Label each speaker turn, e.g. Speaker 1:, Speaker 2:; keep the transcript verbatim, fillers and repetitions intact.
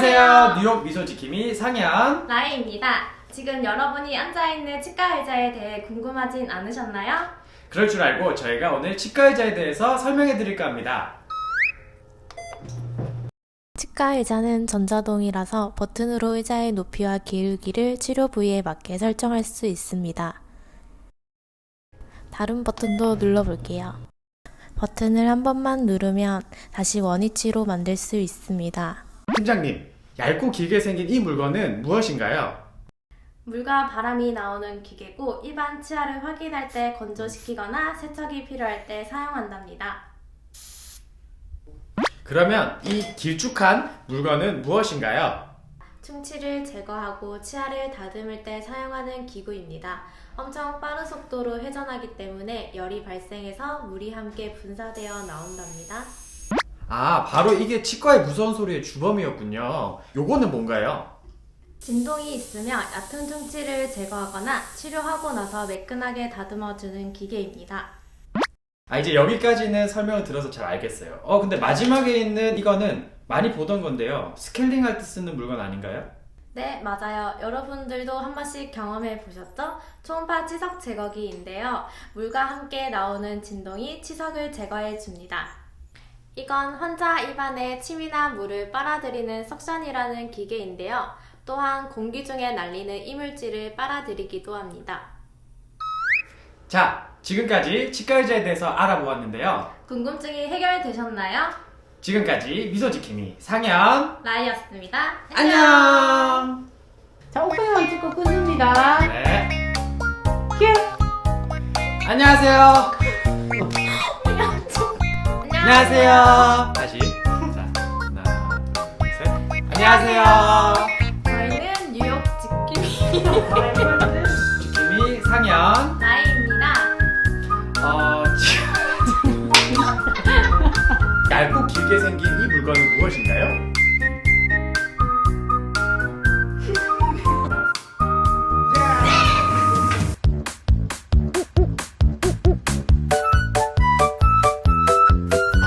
Speaker 1: 안녕하세요. 뉴욕 미소지킴이 상현
Speaker 2: 라이입니다. 지금 여러분이 앉아있는 치과 의자에 대해 궁금하진 않으셨나요?
Speaker 1: 그럴 줄 알고 저희가 오늘 치과 의자에 대해서 설명해 드릴까 합니다.
Speaker 3: 치과 의자는 전자동이라서 버튼으로 의자의 높이와 기울기를 치료 부위에 맞게 설정할 수 있습니다. 다른 버튼도 눌러볼게요. 버튼을 한 번만 누르면 다시 원위치로 만들 수 있습니다.
Speaker 1: 팀장님, 얇고 길게 생긴 이 물건은 무엇인가요?
Speaker 2: 물과 바람이 나오는 기계고 일반 치아를 확인할 때 건조시키거나 세척이 필요할 때 사용한답니다.
Speaker 1: 그러면 이 길쭉한 물건은 무엇인가요?
Speaker 2: 충치를 제거하고 치아를 다듬을 때 사용하는 기구입니다. 엄청 빠른 속도로 회전하기 때문에 열이 발생해서 물이 함께 분사되어 나온답니다.
Speaker 1: 아, 바로 이게 치과의 무서운 소리의 주범이었군요. 요거는 뭔가요?
Speaker 2: 진동이 있으면 얕은 충치를 제거하거나 치료하고 나서 매끈하게 다듬어주는 기계입니다.
Speaker 1: 아, 이제 여기까지는 설명을 들어서 잘 알겠어요. 어, 근데 마지막에 있는 이거는 많이 보던 건데요. 스케일링 할 때 쓰는 물건 아닌가요?
Speaker 2: 네, 맞아요. 여러분들도 한 번씩 경험해 보셨죠? 초음파 치석 제거기인데요. 물과 함께 나오는 진동이 치석을 제거해 줍니다. 이건 환자 입안에 침이나 물을 빨아들이는 석션이라는 기계인데요. 또한 공기 중에 날리는 이물질을 빨아들이기도 합니다.
Speaker 1: 자, 지금까지 치과 의자에 대해서 알아보았는데요.
Speaker 2: 궁금증이 해결되셨나요?
Speaker 1: 지금까지 미소지킴이 상현
Speaker 2: 라이였습니다.
Speaker 1: 안녕.
Speaker 4: 자, 오픈만 찍고 끊습니다.
Speaker 1: 네.
Speaker 4: 큐!
Speaker 1: 안녕하세요. 안녕하세요. 다시. 자, 하나, 둘, 셋. 안녕하세요.
Speaker 2: 저희는 뉴욕 지킴이
Speaker 1: 지킴이 상현.
Speaker 2: 라이입니다.
Speaker 1: 어, 지금 얇고 길게 생긴 이 물건은 무엇인가요?